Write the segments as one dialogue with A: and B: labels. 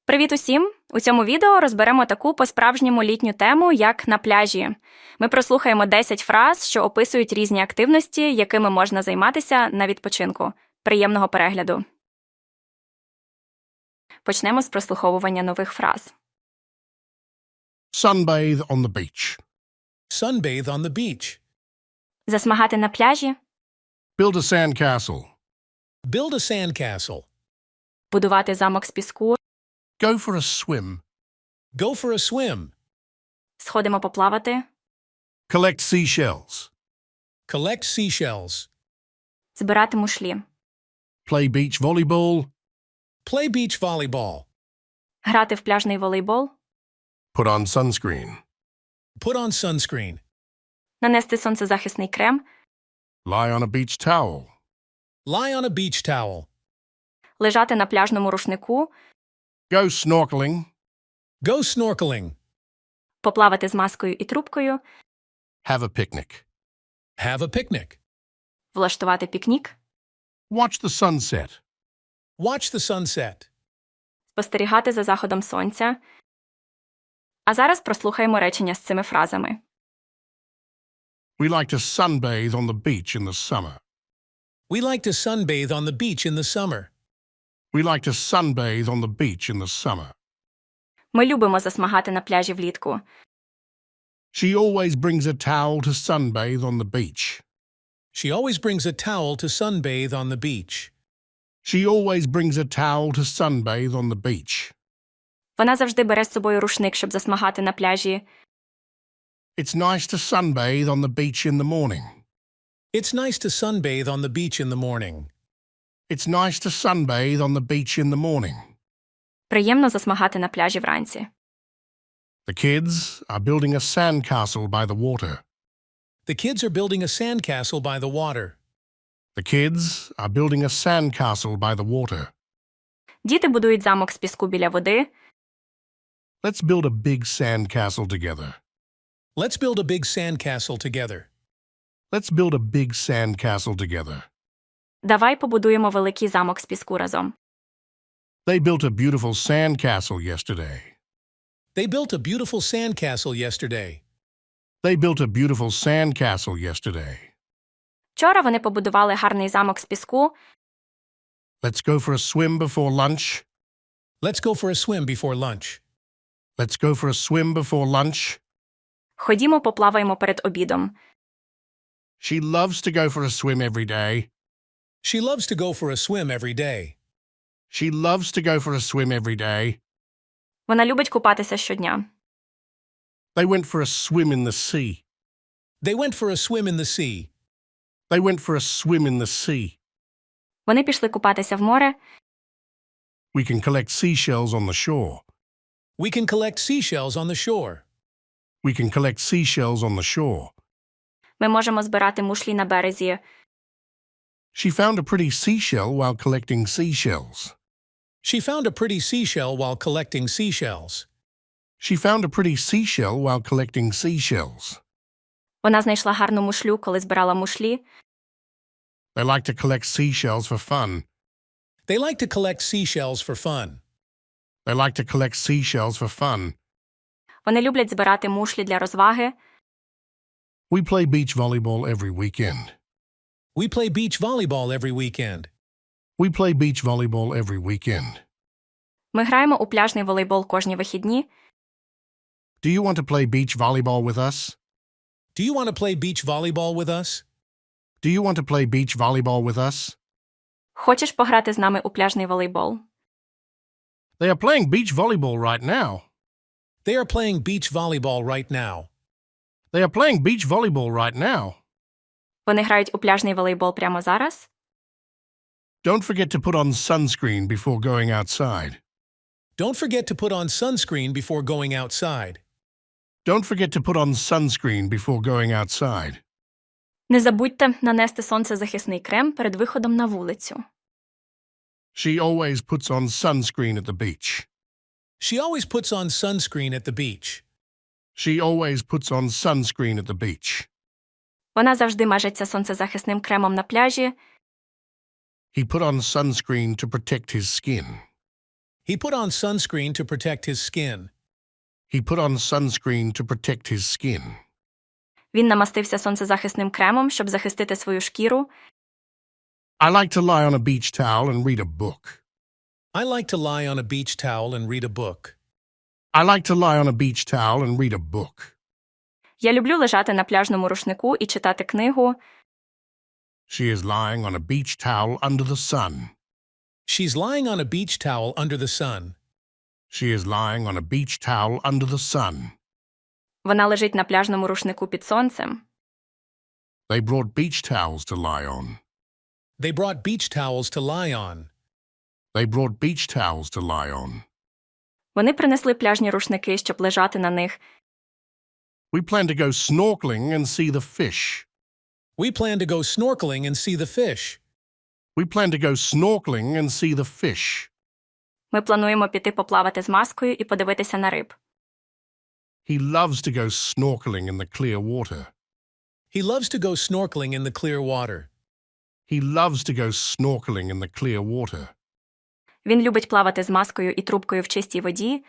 A: Привіт усім! У цьому відео розберемо таку по-справжньому літню тему, як на пляжі. Ми прослухаємо 10 фраз, що описують різні активності, якими можна займатися на відпочинку. Приємного перегляду! Почнемо з прослуховування нових фраз.
B: Sunbathe on the beach.
C: Sunbathe on the beach.
A: Засмагати на пляжі.
B: Build a sandcastle.
C: Build a sandcastle.
A: Будувати замок з піску.
B: Go for a swim.
C: Go for a swim.
A: Сходимо поплавати.
B: Collect seashells.
C: Collect seashells.
A: Збирати мушлі.
B: Play beach volleyball.
C: Play beach volleyball.
A: Грати в пляжний волейбол.
B: Put on sunscreen.
C: Put on sunscreen.
A: Нанести сонцезахисний крем.
B: Lie on a beach towel.
C: Lie on a beach towel.
A: Лежати на пляжному рушнику.
B: Go snorkeling.
C: Go snorkeling.
A: Поплавати з маскою і трубкою.
B: Have a picnic.
C: Have a picnic.
A: Влаштувати пікнік.
B: Watch the sunset.
C: Watch the sunset.
A: Спостерігати за заходом сонця. А зараз прослухаємо речення з цими фразами.
B: We like to sunbathe on the beach in the summer.
C: We like to sunbathe on the beach in the summer.
B: We like to sunbathe on the beach in the summer.
A: Ми любимо засмагати на пляжі влітку.
B: She always brings a towel to sunbathe on the beach.
C: She always brings a towel to sunbathe on the beach.
B: She always brings a towel to sunbathe on the beach.
A: Вона завжди бере з собою рушник, щоб засмагати на пляжі.
B: It's nice to sunbathe on the beach in the morning.
C: It's nice to sunbathe on the beach in the morning.
B: It's nice to sunbathe on the beach in the morning.
A: Приємно засмагати на пляжі вранці.
B: The kids are building a sandcastle by the water.
C: The kids are building a sandcastle by the water.
B: The kids are building a sandcastle by the water.
A: Діти будують замок з піску біля води.
B: Let's build a big sandcastle together.
C: Let's build a big sandcastle together.
B: Let's build a big sandcastle together.
A: Давай побудуємо великий замок з піску разом.
B: They built a beautiful sandcastle yesterday.
C: They built a beautiful sandcastle yesterday.
B: They built a beautiful sandcastle yesterday.
A: Вчора вони побудували гарний замок з піску.
B: Let's go for a swim before lunch.
C: Let's go for a swim before lunch.
B: Let's go for a swim before lunch.
A: Ходімо поплаваємо перед обідом.
B: She loves to go for a swim every day.
C: She loves to go for a swim every day.
B: She loves to go for a swim every day.
A: Вона любить купатися щодня.
B: They went for a swim in the sea.
C: They went for a swim in the sea.
B: They went for a swim in the sea.
A: Вони пішли купатися в море.
B: We can collect seashells on the shore.
C: We can collect seashells on the shore.
B: We can collect seashells on the shore.
A: Ми можемо збирати мушлі на березі.
B: She found a pretty seashell while collecting seashells.
C: She found a pretty seashell while collecting seashells.
B: She found a pretty seashell while collecting seashells.
A: Вона знайшла гарну мушлю, коли збирала мушлі.
B: They like to collect seashells for fun.
C: They like to collect seashells for fun.
B: They like to collect seashells for fun.
A: Вони люблять збирати мушлі для розваги.
B: We play beach volleyball every weekend.
C: We play beach volleyball every weekend.
B: We play beach volleyball every weekend.
A: Ми граємо у пляжний волейбол кожні вихідні.
B: Do you want to play beach volleyball with us?
C: Do you want to play beach volleyball with us?
B: Do you want to play beach volleyball with us?
A: Хочеш пограти з нами у пляжний волейбол?
B: They are playing beach volleyball right now.
C: They are playing beach volleyball right now.
B: They are playing beach volleyball right now.
A: Вони грають у пляжний волейбол прямо зараз.
B: Don't forget to put on sunscreen before going outside.
C: Don't forget to put on sunscreen before going outside.
B: Don't forget to put on sunscreen before going outside.
A: Не забудьте нанести сонцезахисний крем перед виходом на вулицю.
B: She always puts on sunscreen at the beach.
C: She always puts on sunscreen at the beach.
B: She always puts on sunscreen at the beach.
A: Вона завжди мажеться сонцезахисним кремом на пляжі.
B: He put on sunscreen to protect his skin.
C: He put on sunscreen to protect his skin.
B: He put on sunscreen to protect his skin.
A: Він намастився сонцезахисним кремом, щоб захистити свою шкіру.
B: I like to lie on a beach towel and read a book.
C: I like to lie on a beach towel and read a book.
B: I like to lie on a beach towel and read a book.
A: Я люблю лежати на пляжному рушнику і читати книгу.
B: She is lying on a beach towel under the sun.
C: She's lying on a beach towel under the sun.
B: She is lying on a beach towel under the sun.
A: Вона лежить на пляжному рушнику під сонцем.
B: They brought beach towels to lie on.
C: They brought beach towels to lie on.
B: They brought beach towels to lie on.
A: Вони принесли пляжні рушники, щоб лежати на них.
B: We plan to go snorkeling and see the fish.
C: We plan to go snorkeling and see the fish.
B: We plan to go snorkeling and see the fish.
A: Ми плануємо піти поплавати з маскою і подивитися на риб.
B: He loves to go snorkeling in the clear water.
C: He loves to go snorkeling in the clear water.
B: He loves to go snorkeling in the clear water.
A: Він любить плавати з маскою і трубкою в чистій воді.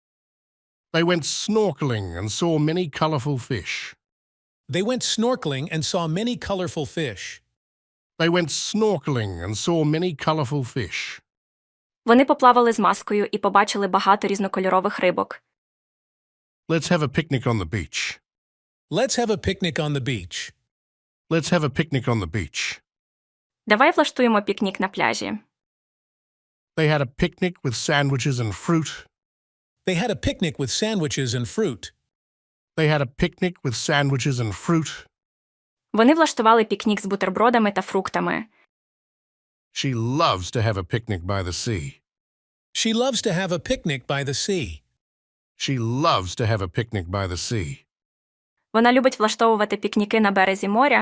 B: They went snorkeling and saw many colorful fish.
C: They went snorkeling and saw many colorful fish.
B: They went snorkeling and saw many colorful fish.
A: Вони поплавали з маскою і побачили багато різнокольорових рибок.
B: Let's have a picnic on the beach.
C: Let's have a picnic on the beach.
B: Let's have a picnic on the beach.
A: Давай влаштуємо пікнік на пляжі.
B: They had a picnic with sandwiches and fruit.
C: They had a picnic with sandwiches and fruit.
B: They had a picnic with sandwiches and fruit.
A: Вони влаштували пікнік з бутербродами та фруктами.
B: She loves to have a picnic by the sea.
C: She loves to have a picnic by the sea.
B: She loves to have a picnic by the sea.
A: Вона любить влаштовувати пікніки на березі моря.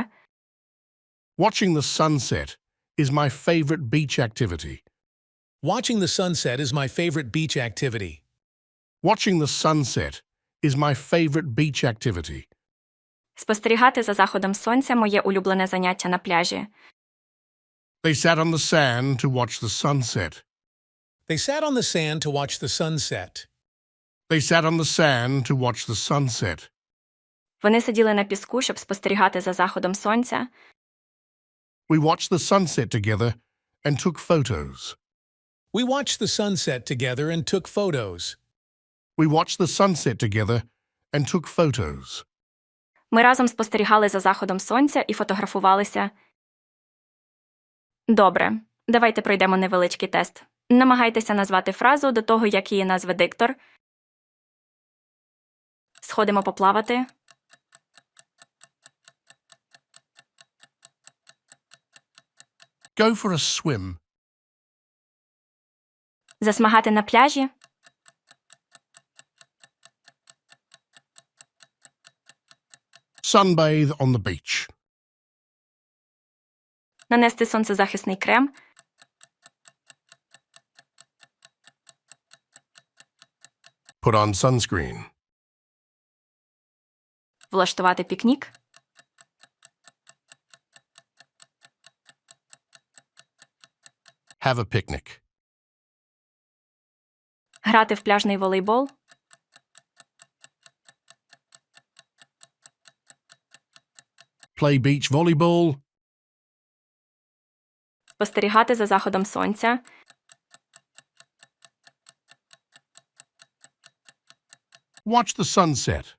B: Watching the sunset is my favorite beach activity.
C: Watching the sunset is my favorite beach activity.
B: Watching the sunset is my favorite beach activity.
A: Спостерігати за заходом сонця – моє улюблене заняття на пляжі.
B: They sat on the sand to watch the sunset.
C: They sat on the sand to watch the sunset.
B: They sat on the sand to watch the sunset.
A: Вони сиділи на піску, щоб спостерігати за заходом сонця.
B: We watched the sunset together and took photos.
C: We watched the sunset together and took photos.
B: We watched the sunset together and took photos.
A: Ми разом спостерігали за заходом сонця і фотографувалися. Добре, давайте пройдемо невеличкий тест. Намагайтеся назвати фразу до того, як її назве диктор. Сходимо поплавати.
B: Go for a swim.
A: Засмагати на пляжі.
B: Sunbathe on the beach.
A: Нанести сонцезахисний крем.
B: Put on sunscreen.
A: Влаштувати пікнік.
B: Have a picnic.
A: Грати в пляжний волейбол.
B: Play beach volleyball.
A: Спостерігати за заходом сонця.
B: Watch the sunset.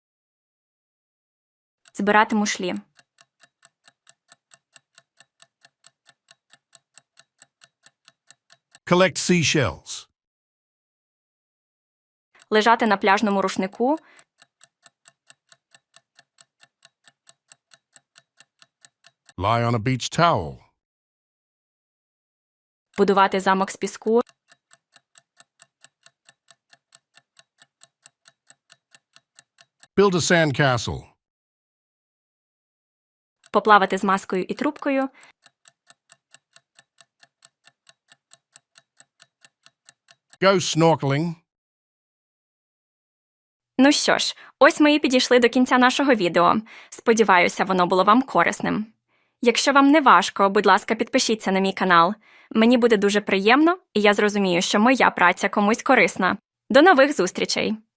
A: Збирати мушлі.
B: Collect seashells.
A: Лежати на пляжному рушнику.
B: Lie on a beach towel.
A: Будувати замок з піску.
B: Build a sandcastle.
A: Поплавати з маскою і трубкою.
B: Go snorkeling.
A: Ну що ж, ось ми і підійшли до кінця нашого відео. Сподіваюся, воно було вам корисним. Якщо вам не важко, будь ласка, підпишіться на мій канал. Мені буде дуже приємно, і я зрозумію, що моя праця комусь корисна. До нових зустрічей!